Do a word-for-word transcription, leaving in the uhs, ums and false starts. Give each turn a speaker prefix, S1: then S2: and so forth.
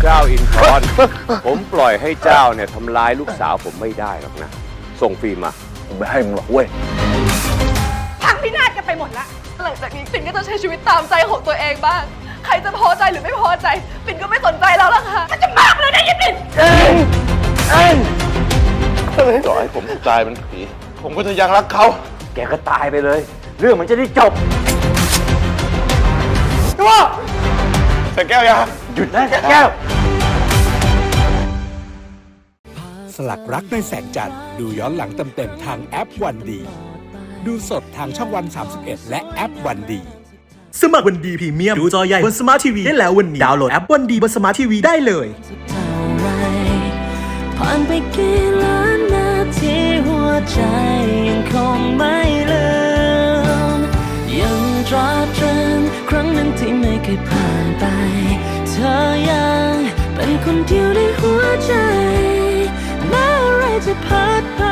S1: จ้าอินทร ผมปล่อยให้เจ้าเนี่ยทำร้ายลูกสาวผมไม่ได้หรอกนะ ส่งฟิล์มมา
S2: ผมไม่ให้มึงหรอกเว้ย
S3: พังพินาศกันไปหมดละหลังจากนี้ปิ่นก็จะใช้ชีวิตตามใจของตัวเองบ้าง ใครจะพอใจหรือไม่พอใจ ปิ่นก็ไม่สนใจแล้วล่ะค่ะมันจะมากเลยนะยี่ปิ่น
S2: เอ็งเอ็งต่อให้ผมตายเป็นผี ผมก็จะยังรักเขา
S1: แกก็ตายไปเลย เรื่องมันจะได้จบ
S2: ว่าใส่แก้วยา
S1: หยุดนะแก้ว
S4: สลักรักในแสงจันทร์ดูย้อนหลังเต็มๆทางแอปวันดี ดูสดทางช่องวันสามสิบเอ็ดและแอปวันดี
S5: สมัครวันดีพรีเมียมดูจอใหญ่บนสมาร์ททีวีได้แล้ววันนี้ดาวน์โหลดแอปวันดีบนสมาร์ททีวีได้เลย
S6: ผ่านไปกี่ล้านนาทีหัวใจยังคงไม่ลืมยังตราตรึงครั้งหนึ่งที่ไม่เคยผ่านไปเธอยังเป็นคนเดียวในหัวใจแม้อะไรจะพัดไป